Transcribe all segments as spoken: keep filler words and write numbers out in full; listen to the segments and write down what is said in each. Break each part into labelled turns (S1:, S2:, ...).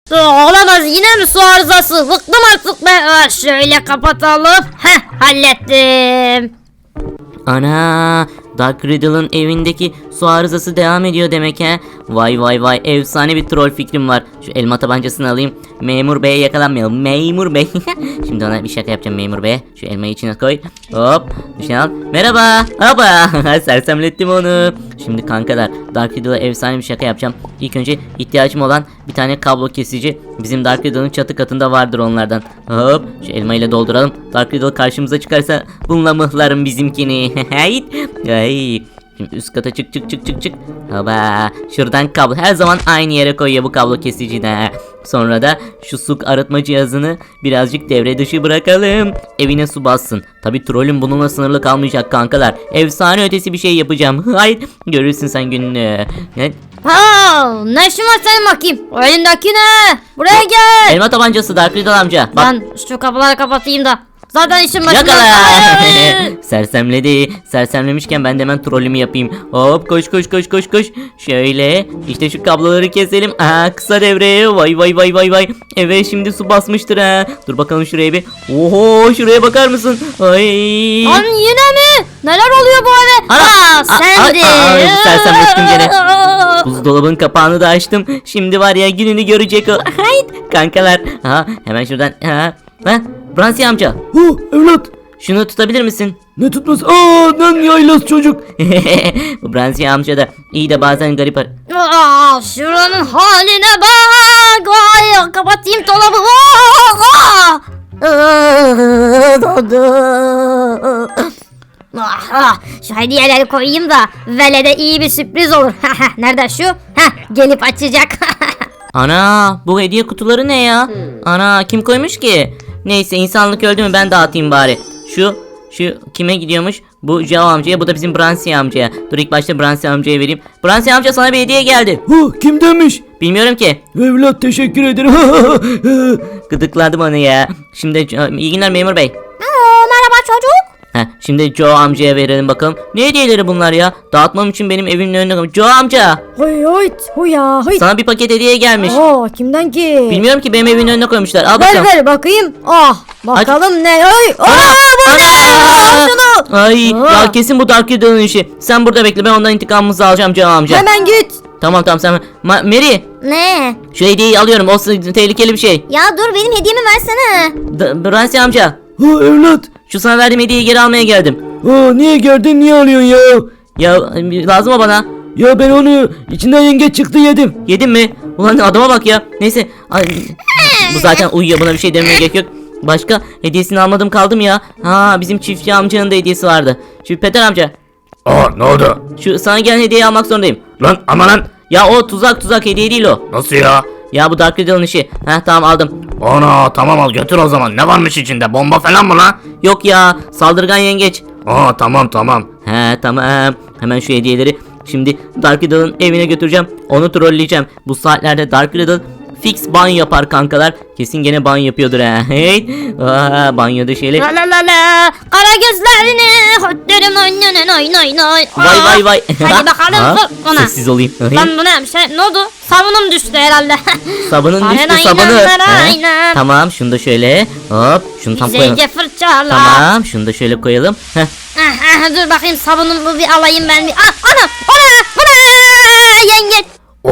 S1: Olamaz, yine mi su arızası? Bıktım artık be. Aa, şöyle kapatalım. Heh, hallettim.
S2: Ana, Dark Riddle'ın evindeki su arızası devam ediyor demek he. Vay vay vay, efsane bir troll fikrim var. Şu elma tabancasını alayım. Memur beye yakalanmayalım. Memur bey. Şimdi ona bir şaka yapacağım memur beye. Şu elmayı içine koy. Hop, dışına al. Merhaba. Hoppa. Sersemlettim onu. Şimdi kankalar, Dark Riddle'a efsane bir şaka yapacağım. İlk önce ihtiyacım olan bir tane kablo kesici. Bizim Dark Riddle'ın çatı katında vardır onlardan. Hop, şu elmayla dolduralım. Dark Riddle karşımıza çıkarsa bununla mıhlarım bizimkini. Hayt. Ay. Şimdi üst kata çık çık çık çık çık. Haba. Şuradan kablo. Her zaman aynı yere koyuyor bu kablo kesici de. Sonra da şu su arıtma cihazını birazcık devre dışı bırakalım. Evine su bassın. Tabi trollüm bununla sınırlı kalmayacak kankalar. Efsane ötesi bir şey yapacağım. Hayır. Görürsün sen gününü. Ne?
S1: Ha, ne işin var senin bakayım? O elindeki ne? Buraya gel.
S2: Elma tabancası Dark Riddle amca. Bak.
S1: Ben şu kapıları kapatayım da. Zaten işim başına.
S2: Yakala. Sersemledi. Sersemlemişken ben de hemen trollümü yapayım. Hop, koş koş koş koş koş. Şöyle işte şu kabloları keselim. Aa, kısa devre. Vay vay vay vay vay. Evet, şimdi su basmıştır ha. Dur bakalım şuraya bir. Oho, şuraya bakar mısın? Ay.
S1: Lan yine mi? Neler oluyor bu eve?
S2: Ana,
S1: Ha,
S2: a-
S1: sen de.
S2: a- a- sersemlettim gene. Buzdolabın kapağını da açtım. Şimdi var ya, gününü görecek o. Hayt. Kankalar. Ha, hemen şuradan. Ha. Ha. Bransi amca.
S3: Hu evlat.
S2: Şunu tutabilir misin?
S3: Ne tutması? Aa, lan yaylaz çocuk.
S2: Bu Bransi amca da iyi de bazen garip. ar-
S1: Aa, şuranın haline bak. Ay, kapatayım dolabı. Aa, aa. Ah, ah, şu hediyeleri koyayım da velede iyi bir sürpriz olur. Nerede şu? Heh, gelip açacak.
S2: Ana, bu hediye kutuları ne ya? Ana, kim koymuş ki? Neyse, insanlık öldü mü ben dağıtayım bari. Şu şu kime gidiyormuş? Bu Jao amcaya, bu da bizim Bransi amcaya. Dur, ilk başta Bransi amcaya vereyim. Bransi amca, sana bir hediye geldi.
S3: Hu kim demiş?
S2: Bilmiyorum ki.
S3: Evlat teşekkür ederim.
S2: Gıdıkladım onu ya. Şimdi iyi günler memur bey.
S1: Merhaba çocuk.
S2: Heh, şimdi Joe amcaya verelim bakalım. Ne hediyeleri bunlar ya? Dağıtmam için benim evimin önüne koymuş. Joe amca,
S4: Hoy hoy huya hoy.
S2: sana bir paket hediye gelmiş.
S4: Oo, kimden ki?
S2: Bilmiyorum ki, benim evimin önüne koymuşlar. Al
S4: Ver
S2: bakalım.
S4: ver bakayım. Ah bakalım ne? Oy. Aa bu ne? Al şunu.
S2: Ay
S4: Aa.
S2: ya, kesin bu Dark Riddle'ın işi. Sen burada bekle, ben ondan intikamımızı alacağım Joe amca.
S4: Hemen git.
S2: Tamam tamam, sen Ma- Mary,
S1: Ne?
S2: şu hediyeyi alıyorum, o s- tehlikeli bir şey.
S1: Ya dur, benim hediyemi versene.
S2: D- Bransi amca,
S3: Ha evlat.
S2: şu sana verdiğim hediyeyi geri almaya geldim.
S3: Aa, niye geldin, niye alıyorsun ya?
S2: Ya lazım o bana.
S3: Ya ben onu içinden yengeç çıktı yedim.
S2: Yedin mi? Ulan adama bak ya. Neyse. Ay, bu zaten uyuyor, buna bir şey demeye gerek yok. Başka hediyesini almadım kaldım ya. Ha, bizim çiftçi amcanın da hediyesi vardı. Şu Peter amca,
S5: Aa, ne oldu?
S2: şu sana gelen hediyeyi almak zorundayım.
S5: Lan ama lan.
S2: Ya o tuzak tuzak, hediye değil o.
S5: Nasıl ya?
S2: Ya bu Dark Riddle'ın işi. Heh, tamam aldım.
S5: Ana, tamam al götür o zaman. Ne varmış içinde? Bomba falan mı lan?
S2: Yok ya, saldırgan yengeç.
S5: Aa, tamam tamam.
S2: He tamam. Hemen şu hediyeleri şimdi Dark Riddle'ın evine götüreceğim. Onu trolleyeceğim. Bu saatlerde Dark Riddle fix ban yapar kankalar. Kesin gene ban yapıyordur ha. Hey. Aa, banyoda şeyle.
S1: La la la la. Kara gözlerini. Hotlarım oynanan oyn oyn oyn.
S2: Vay vay vay.
S1: Hadi bakalım,
S2: Ha,
S1: vur ona.
S2: Sessiz olayım.
S1: Lan bu ne bir şey? Ne oldu? Sabunum düştü herhalde.
S2: Sabunun düştü,
S1: Aynen,
S2: sabunu.
S1: aynen,
S2: He,
S1: aynen.
S2: Tamam, şunu da şöyle. Hop, şunu tam koyalım.
S1: Güzelce fırçala.
S2: Tamam, şunu da şöyle koyalım. Heh.
S1: Ah, ah, dur bakayım, sabunumu bir alayım ben bir. Ah, ana, ana, bu ne? Yengeç.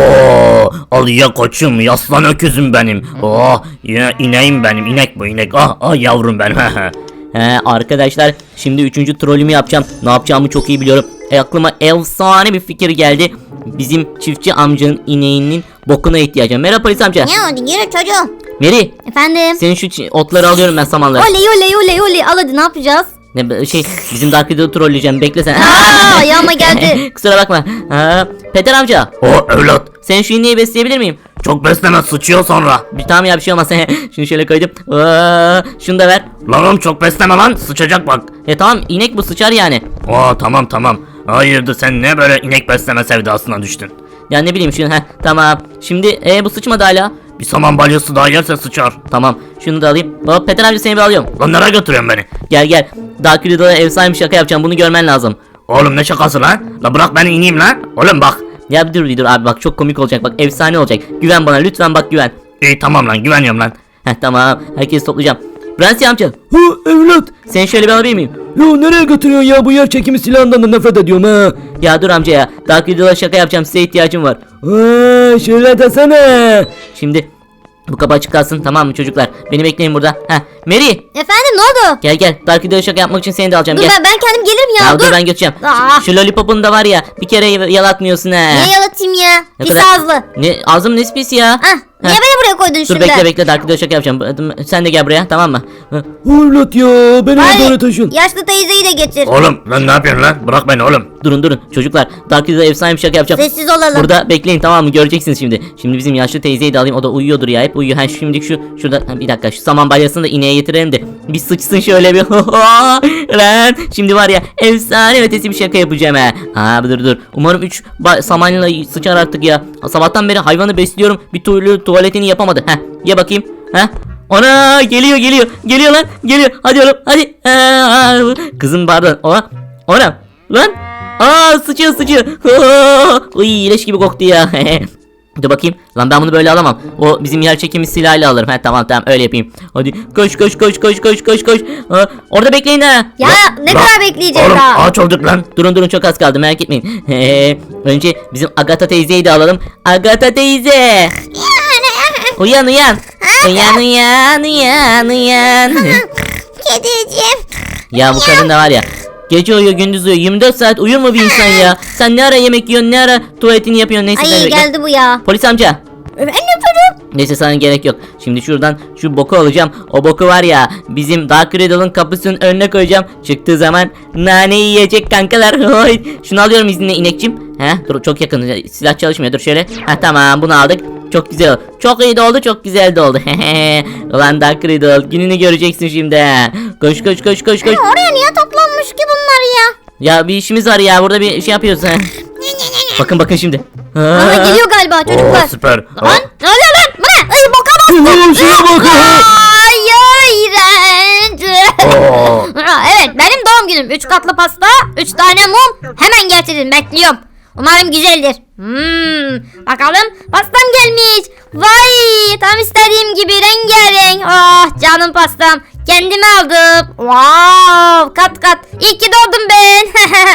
S5: Oo, al ya koçum, yaslan öküzüm benim. Oo, yine ineğim benim, inek bu inek. Ah ah yavrum ben.
S2: He, arkadaşlar, şimdi üçüncü trollümü yapacağım. Ne yapacağımı çok iyi biliyorum. E, aklıma efsane bir fikir geldi. Bizim çiftçi amcanın ineğinin bokuna ihtiyacım. Merhaba polis amca.
S1: Ya hadi yürü çocuğum.
S2: Mary,
S1: Efendim.
S2: senin şu çi- otları alıyorum ben, samanları.
S1: Oley oley oley oley, al hadi, ne yapacağız?
S2: Ne be- şey, bizim Dark Riddle'ı trolleyeceğim. Bekle sen.
S1: Aa, ayağıma geldi.
S2: Kusura bakma. Ha, Peter amca,
S5: O evlat,
S2: sen şu ineği besleyebilir miyim?
S5: çok besleme, sıçıyor sonra.
S2: Bir, tamam ya, bir şey olmaz. Şunu şöyle koydum. Aa, şunu da ver.
S5: Lan oğlum, çok besleme lan, sıçacak bak.
S2: E tamam, inek bu, sıçar yani.
S5: Oo, tamam tamam. Hayırdır, sen ne böyle inek besleme sevdasına düştün?
S2: Ya ne bileyim şunu. Heh, tamam. Şimdi e, bu sıçmadı hala.
S5: Bir saman balyası daha yerse sıçar.
S2: Tamam, şunu da alayım. Hop, Peter amca, seni bir alıyorum.
S5: Lan nereye götürüyorsun beni?
S2: Gel gel. Dark Riddle'a efsane bir şaka yapacağım. Bunu görmen lazım.
S5: Oğlum ne şakası lan? La bırak beni ineyim lan. Oğlum bak.
S2: Ya bir dur bir dur abi, bak çok komik olacak. Bak efsane olacak. Güven bana lütfen, bak güven.
S5: İyi tamam lan güveniyorum lan.
S2: Heh tamam herkesi toplayacağım. Prensi amca
S3: Hu evlat.
S2: seni şöyle bir alabilir miyim?
S3: Yo nereye götürüyorsun ya bu yer çekimi silahından da nefret ediyorum ha.
S2: Ya dur amca ya. Dark Riddle'a şaka yapacağım, size ihtiyacım var.
S3: Aa, şöyle desene.
S2: Şimdi bu kapı açık kalsın, tamam mı çocuklar? Beni bekleyin burada. Heh Mary
S1: Efendim ne oldu?
S2: gel gel, Dark Riddle'a şaka yapmak için seni de alacağım,
S1: Dur
S2: gel.
S1: ben, ben kendim gelirim ya.
S2: Ya dur
S1: dur.
S2: ben götüreceğim.
S1: Aa.
S2: Şu lollipopunu da var ya, bir kere yalatmıyorsun ha.
S1: Niye yalatayım ya?
S2: Ne
S1: Pis
S2: kadar-
S1: ağızlı.
S2: Ne ağzım ne pis ya.
S1: Ah, niye
S2: Heh.
S1: beni buraya koydun
S2: Dur
S1: şimdi?
S2: bekle bekle, Dark Riddle'a şaka yapacağım. Sen de gel buraya, tamam mı? Hı.
S3: Evlat ya beni
S1: Hayır,
S3: oraya taşın.
S1: yaşlı teyzeyi de getir.
S5: Oğlum lan ne yapıyorsun lan? Bırak beni oğlum.
S2: Durun durun çocuklar, Dark Riddle'a efsane bir şaka yapacağım.
S1: Sessiz olalım.
S2: Burada bekleyin, tamam mı? Göreceksiniz şimdi. Şimdi bizim yaşlı teyzeyi de alayım. O da uyuyordur ya, hep uyuyor. Ha şimdi şu şurada ha, bir dakika, şu saman balyasını da ineğe getirelim de bir sıçsın şöyle bir. Lan şimdi var ya, efsane ötesi bir şaka yapacağım ha. Ha dur dur. Umarım üç samanla sıçar artık ya. Sabahtan beri hayvanı besliyorum. Bir türlü tuvaletini yapamadı. Ha ye bakayım. Ha. Ana geliyor geliyor. Geliyor lan. Geliyor. Hadi oğlum. Hadi. Aa, kızım pardon. Ona. Ona. Lan. Aa sıçıyor sıçıyor. Uy leş gibi koktu ya. Dur bakayım. Lan ben bunu böyle alamam. O bizim yer çekimi silahıyla alırım. Ha tamam tamam öyle yapayım. Hadi koş koş koş koş koş koş koş. Ha, orada bekleyin ha.
S1: Ya ne
S5: Lan,
S1: kadar bekleyeceğiz
S5: Oğlum
S1: daha?
S5: aç olduk lan.
S2: Durun durun çok az kaldı, merak etmeyin. Önce bizim Agatha teyzeyi de alalım. Agatha teyze. Uyan uyan. Uyan uyan uyan uyan.
S1: Kediciğim.
S2: Ya bu kadın da var ya. Gece uyuyor gündüz uyuyor. yirmi dört saat uyur mu bir insan ya? Sen ne ara yemek yiyorsun, ne ara tuvaletini yapıyorsun, neyse. sen
S1: Ay
S2: bekle.
S1: geldi bu ya.
S2: Polis amca.
S1: Ben yaparım.
S2: Neyse sana gerek yok. Şimdi şuradan şu boku alacağım. O boku var ya, bizim Dark Riddle'ın kapısının önüne koyacağım. Çıktığı zaman nane yiyecek kankalar. Oy. Şunu alıyorum izninle inekçim. He dur çok yakın. Silah çalışmıyor. Dur şöyle. Ha tamam bunu aldık. Çok güzel oldu. Çok iyi de oldu, çok güzel de oldu. Ulan Dark Riddle gününü göreceksin şimdi. Koş koş koş koş koş.
S1: Oraya niye toplanmış ki bunlar ya?
S2: Ya bir işimiz var ya, burada bir şey yapıyoruz. Ha. Bakın bakın şimdi.
S1: Bana geliyor galiba çocuklar.
S5: Oo süper.
S1: Lan ne oluyor lan? Bu ne? Ay boka bastı.
S3: Ulan şuna bak ha.
S1: Ay iğrenç.
S5: Oo.
S1: Aa, evet benim doğum günüm. Üç katlı pasta, üç tane mum. Hemen getirin, bekliyorum. Umarım güzeldir. Hmm, bakalım pastam gelmiş. Vay tam istediğim gibi rengarenk. Oh canım pastam. Kendime aldım. Wow kat kat. İyi ki doğdum ben.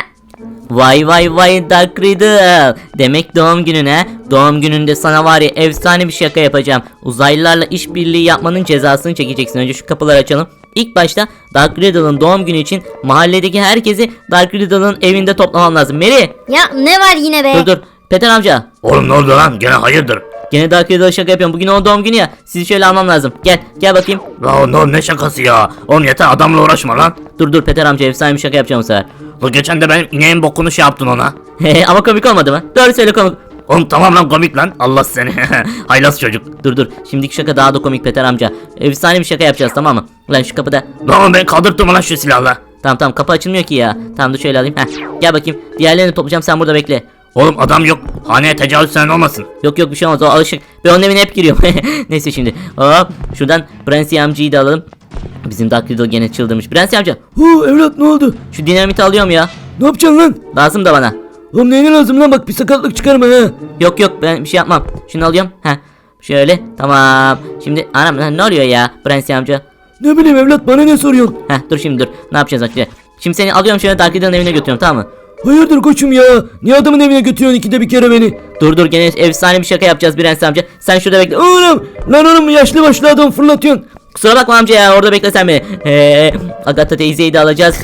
S2: Vay vay vay Dark Riddle. Demek doğum gününe. Doğum gününde sana var ya efsane bir şaka yapacağım. Uzaylılarla işbirliği yapmanın cezasını çekeceksin. Önce şu kapıları açalım. İlk başta Dark Riddle'ın doğum günü için mahalledeki herkesi Dark Riddle'ın evinde toplaman lazım. Mary
S1: Ya ne var yine be?
S2: dur dur. Peter amca.
S5: Oğlum ne oldu lan? Gene hayırdır?
S2: Gene Dark Riddle'a şaka yapıyorum. Bugün onun doğum günü ya. Sizi şöyle almam lazım. Gel gel bakayım.
S5: La ne, ne şakası ya? Oğlum yeter adamla uğraşma lan.
S2: Dur dur Peter amca, efsane bir şaka yapacağım bu sefer.
S5: La geçen de benim ineğin bokunu şey yaptın ona.
S2: Ama komik olmadı mı? Doğru söyle, komik.
S5: Oğlum tamam lan komik lan. Allah seni. Haylaz çocuk.
S2: Dur dur. Şimdiki şaka daha da komik Peter amca. Efsane bir şaka yapacağız, tamam mı? Lan şu kapıda.
S5: Lan ben kaldırttım lan şu silahla.
S2: Tamam tamam kapı açılmıyor ki ya. Tamam dur şöyle alayım. Heh. Gel bakayım. Diğerlerini toplayacağım, sen burada bekle.
S5: Oğlum adam yok. Haneye tecavüz sen olmasın.
S2: Yok yok bir şey olmaz, o alışık. Ben onun evine hep giriyorum. Neyse şimdi. Hop. Şuradan Prensi amcayı da alalım. Bizim Dark Riddle gene çıldırmış. Prensi amca
S3: Hu evlat ne oldu?
S2: şu dinamiti alıyorum ya.
S3: Ne yapacaksın lan?
S2: Lazım da bana.
S3: Oğlum neyine lazım lan bak bir sakatlık çıkarma ha.
S2: Yok yok ben bir şey yapmam. Şunu alıyorum. Heh. Şöyle tamam. Şimdi anam lan ne oluyor ya Prensi amca?
S3: Ne bileyim evlat bana ne soruyorsun?
S2: Heh dur şimdi dur. Ne yapacağız bak şimdi. Şimdi seni alıyorum şöyle Dark Riddle'ın evine götürüyorum, tamam mı?
S3: Hayırdır koçum ya? Niye adamın evine götürüyorsun ikide bir kere beni?
S2: Dur dur gene efsane bir şaka yapacağız Prensi amca. Sen şurada bekle.
S3: Oğlum lan oğlum yaşlı başlı adam fırlatıyorsun.
S2: Kusura bakma amca ya, orada bekle sen beni. Ee, Agatha teyzeyi de alacağız.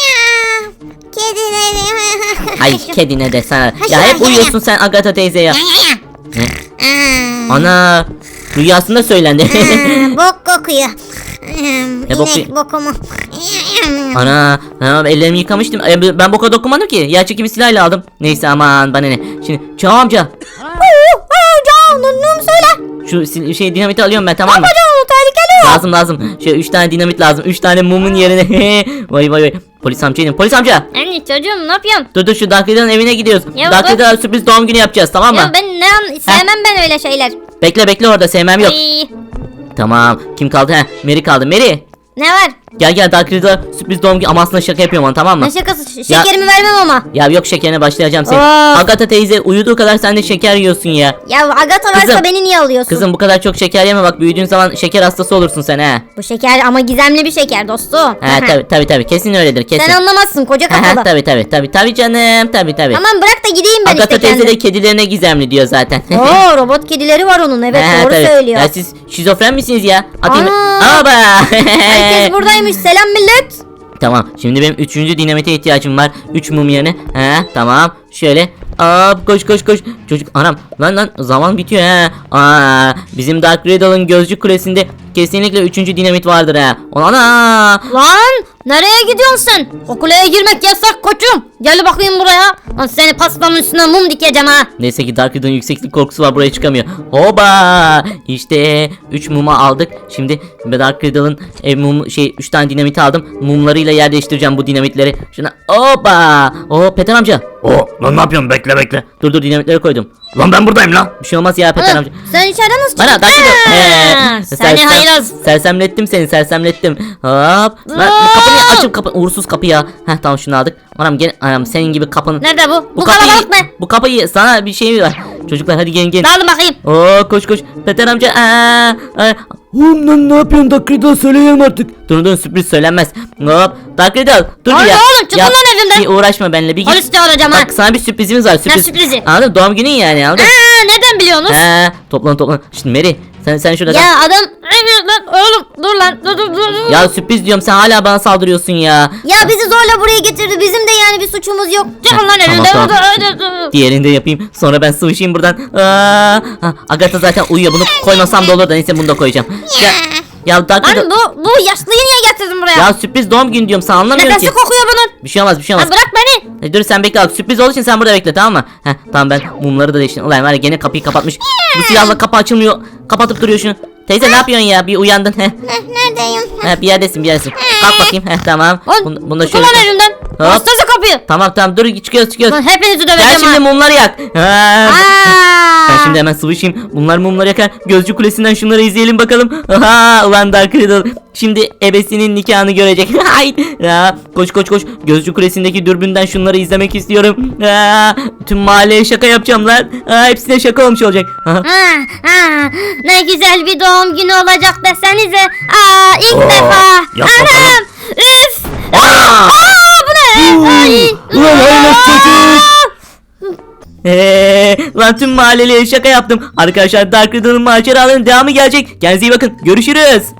S1: Kedilerim.
S2: Ay kedine de sana. Ya hep uyuyorsun sen Agatha teyze ya. Ana rüyasında söylendi.
S1: Bok kokuyor.
S2: Ne boku-
S1: İnek bokumu.
S2: Ana ha, ellerimi yıkamıştım. E, ben boka dokunmadım ki. Yer çekimi silahıyla aldım. Neyse aman bana ne. Şimdi Çağ amca.
S1: Canım söyle.
S2: Şu sil- şey dinamiti alıyorum ben, tamam mı?
S1: Canım tehlikeli.
S2: Lazım lazım. Şöyle üç tane dinamit lazım. üç tane mumun yerine. Vay vay vay. Polis amcayım. Polis amca.
S1: Anne çocuğum ne yapıyorsun?
S2: Dur dur şu Dark Riddle'ın evine gidiyoruz.
S1: Ya
S2: Dark
S1: baba.
S2: Riddle'a sürpriz doğum günü yapacağız, tamam mı?
S1: Ya ben ne an sevmem ben öyle şeyler.
S2: Bekle bekle orada, sevmem yok.
S1: Ay,
S2: Tamam. Kim kaldı? He, Mary kaldı. Mary.
S1: ne var?
S2: Gel gel Dark Riddle sürpriz doğum günü ama aslında şaka yapıyorum ona, tamam mı?
S1: Ne şakası? Ş- Şekerimi vermem ama.
S2: Ya yok şekerine başlayacağım seni.
S1: Of.
S2: Agatha teyze uyuduğu kadar sen de şeker yiyorsun ya.
S1: Ya Agatha varsa
S2: Kızım,
S1: beni niye alıyorsun?
S2: Kızım bu kadar çok şeker yeme bak, büyüdüğün zaman şeker hastası olursun sen ha.
S1: Bu şeker ama gizemli bir şeker dostum.
S2: Ha tabi tabi tabi kesin öyledir kesin.
S1: Sen anlamazsın koca
S2: Ha
S1: kafalı.
S2: tabi tabi tabi tabi canım tabi tabi.
S1: Tamam bırak da gideyim ben
S2: Agatha
S1: işte
S2: teyze de
S1: kendim.
S2: kedilerine gizemli diyor zaten.
S1: Oo robot kedileri var onun evet
S2: Ha,
S1: doğru
S2: tabii.
S1: söylüyor.
S2: Ya siz şizofren misiniz ya? Atayım.
S1: Aa.
S2: Aba.
S1: Herkes buradaymış selam millet.
S2: Tamam şimdi benim üçüncü dinamite ihtiyacım var. Üç mum yerine. He tamam. Şöyle. Hop koş koş koş. Çocuk anam lan lan zaman bitiyor ha. Aa, bizim Dark Riddle'ın gözcü kulesinde kesinlikle üçüncü dinamit vardır ha. Ana.
S1: Lan nereye gidiyorsun sen? O kuleye girmek yasak koçum. Gel bakayım buraya. Lan seni pastanın üstüne mum dikeceğim ha.
S2: Neyse ki Dark Riddle'ın yükseklik korkusu var, buraya çıkamıyor. Hoba! İşte üç mumu aldık. Şimdi Dark Riddle'ın ev mum şey üç tane dinamiti aldım. Mumlarıyla yer değiştireceğim bu dinamitleri. Şuna hoba! Oo Peter amca.
S5: Oo lan ne yapıyorsun, bekle bekle.
S2: Dur dur dinamitleri koydum.
S5: Lan ben buradayım lan.
S2: Bir şey olmaz ya Peter
S1: Oğlum,
S2: amca.
S1: sen içeride nasıl çıktın?
S2: Bana Dark Riddle.
S1: Ha,
S2: Ee,
S1: Seni
S2: sersem-
S1: hayraz.
S2: Sersemlettim seni, sersemlettim. Hop. Lan kapıyı açıp kapı uğursuz kapı ya. Heh tamam şunu aldık. Anam gene anam senin gibi kapının.
S1: Nerede bu? Bu,
S2: kapıyı-
S1: kalabalık mı?
S2: Bu kapıyı sana bir şey var. Çocuklar hadi gelin gelin.
S1: Dağılın bakayım.
S2: Oo koş koş. Peter amca. Aa, aa.
S3: Oğlum lan ne yapıyorsun Dark Riddle, söyleyelim artık.
S2: Dur dur sürpriz söylenmez. Hop. Dark Riddle dur
S1: Hadi
S2: ya.
S1: oğlum, çıkın
S2: Ya,
S1: lan evimden.
S2: Bir uğraşma benimle bir git.
S1: Polis çağıracağım ha.
S2: Bak sana bir sürprizimiz var. Sürpriz.
S1: sürprizi?
S2: Anladın mı? Doğum günün yani anladın mı?
S1: Aa, nereden biliyorsunuz?
S2: Ha, toplan toplan. Şimdi Mary sen sen şurada kal.
S1: Ya adam lan oğlum dur lan dur dur dur. dur.
S2: Ya sürpriz diyorum sen hala bana saldırıyorsun ya.
S1: Ya bizi zorla buraya getirdi. Bizim de yani bir suçumuz yok. Çıkın lan
S2: Tamam,
S1: evimden.
S2: tamam.
S1: Dur, dur, dur, dur.
S2: Diğerini de yapayım. Sonra ben sıvışayım buradan. Aa, ha, Agatha zaten uyuyor. Bunu koymasam da olur da neyse bunu da koyacağım. Ya, ya Dark Riddle.
S1: Lan bu, bu yaşlıyı niye getirdin buraya?
S2: Ya sürpriz doğum günü diyorum sana, anlamıyorum
S1: Nefesi
S2: ki.
S1: kokuyor bunun.
S2: Bir şey olmaz bir şey olmaz.
S1: Lan bırak beni.
S2: Hadi dur sen bekle bak, sürpriz olduğu için sen burada bekle tamam mı? Heh tamam ben mumları da değiştirdim. Ulan var ya gene kapıyı kapatmış. Bu silahla kapı açılmıyor. Kapatıp duruyor şunu. Teyze ne yapıyorsun ya, bir uyandın heh.
S1: Neredeyim?
S2: Heh bir yerdesin bir yerdesin. Kalk bakayım heh tamam.
S1: Lan
S2: Bunu, bunu da
S1: tutun
S2: şöyle.
S1: lan elimden. Bastırsa kapıyı.
S2: Tamam tamam dur çıkıyoruz çıkıyoruz.
S1: Lan hepinizi
S2: Gel
S1: döveceğim
S2: şimdi
S1: ha.
S2: mumları yak. Ha.
S1: Aa.
S2: Ben şimdi hemen sıvışayım. Bunlar mumları yakar. Gözcü kulesinden şunları izleyelim bakalım. Aha ulan Dark Riddle. Şimdi ebesinin nikahını görecek. Hay. Ya koş koş koş. Gözcü kulesindeki dürbünden şunları izlemek istiyorum. Aa, tüm mahalleye şaka yapacağım lan. Aa, hepsine şaka olmuş olacak. Aha.
S1: Ha, ha, ne güzel bir doğum günü olacak desenize. Aa, ilk
S5: Oo,
S1: defa.
S5: yap
S1: Anam.
S5: bakalım.
S1: Üf.
S5: Aa!
S1: Aa, bu ne? Ay.
S3: Ulan hayret çocuk.
S2: Ee, lan tüm mahalleliye şaka yaptım. Arkadaşlar Dark Riddle'ın maceralarının devamı gelecek. Kendinize iyi bakın. Görüşürüz.